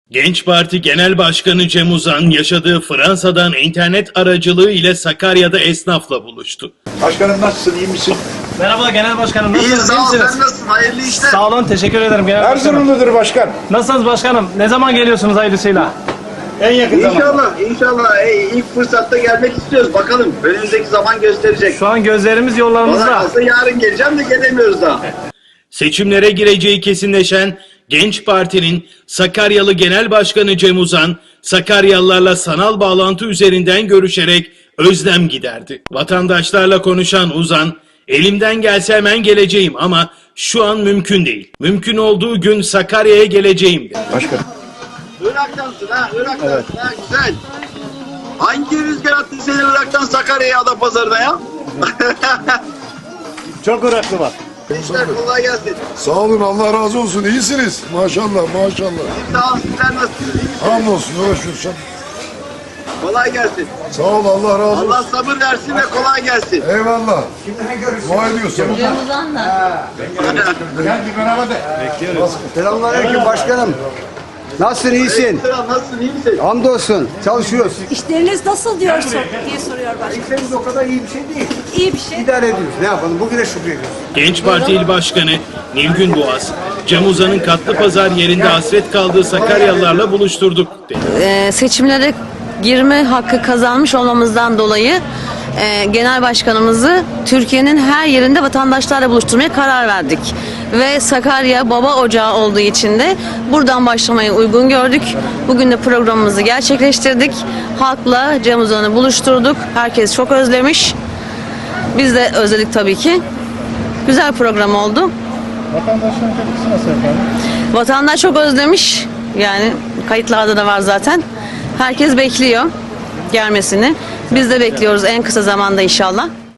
Genç Parti Genel Başkanı Cem Uzan yaşadığı Fransa'dan internet aracılığı ile Sakarya'da esnafla buluştu. Başkanım nasılsın, iyi misin? Merhaba Genel Başkanım, İyi nasılsınız? sağ ol, İyisiniz? sen nasılsın? Hayırlı işler. Sağ olun, teşekkür ederim Genel Başkanım. Erzurumludur başkan. Nasılsınız başkanım? Ne zaman geliyorsunuz hayırlısıyla? En yakın zamanda. İnşallah ilk fırsatta gelmek istiyoruz. Bakalım önümüzdeki zaman gösterecek. Şu an gözlerimiz Bana yollarımızda. kalsa yarın geleceğim de gelemiyoruz daha. Seçimlere gireceği kesinleşen Genç Parti'nin Sakaryalı Genel Başkanı Cem Uzan, Sakaryalılarla sanal bağlantı üzerinden görüşerek özlem giderdi. Vatandaşlarla konuşan Uzan, elimden gelse hemen geleceğim ama şu an mümkün değil. Mümkün olduğu gün Sakarya'ya geleceğim dedi. Başkanım. Irak'tansın ha, Irak'tansın ha, güzel. Hangi rüzgar attı seni Irak'tan Sakarya'ya, Adapazarı'na ya? Çok Iraklı var. İşler kolay gelsin. Sağ olun, Allah razı olsun. İyisiniz. Maşallah, maşallah. Sağ ol, sizler nasılsınız? İyi misiniz? Hamdolsun, uğraşıyorsun. Kolay gelsin. Sağ ol, Allah razı olsun. Allah sabır versin ve kolay gelsin. Eyvallah. Dua ediyorsun. Selamünaleyküm başkanım. Nasılsın, iyisin? Selam, nasılsın, iyi misin? Hamdolsun, çalışıyoruz. İşleriniz nasıl diye soruyor başkanım. İşlerimiz o kadar iyi bir şey değil. İyi bir şey. İdare ediyoruz. Ne yapalım? Bugüne şükrediyoruz. Genç Parti İl Başkanı Nilgün Boğaz, Cem Uzan'ın Katlıpazar yerinde hasret kaldığı Sakaryalılarla buluşturduk dedi. Seçimlere girme hakkı kazanmış olmamızdan dolayı genel başkanımızı Türkiye'nin her yerinde vatandaşlarla buluşturmaya karar verdik. Ve Sakarya baba ocağı olduğu için de buradan başlamayı uygun gördük. Bugün de programımızı gerçekleştirdik. Halkla Cem Uzan'ı buluşturduk. Herkes çok özlemiş. Biz de özledik tabii ki. Güzel program oldu. Vatandaşların tepkisi nasıl efendim? Vatandaş çok özlemiş. Yani kayıtlarda da var zaten. Herkes bekliyor gelmesini. Biz de bekliyoruz en kısa zamanda inşallah.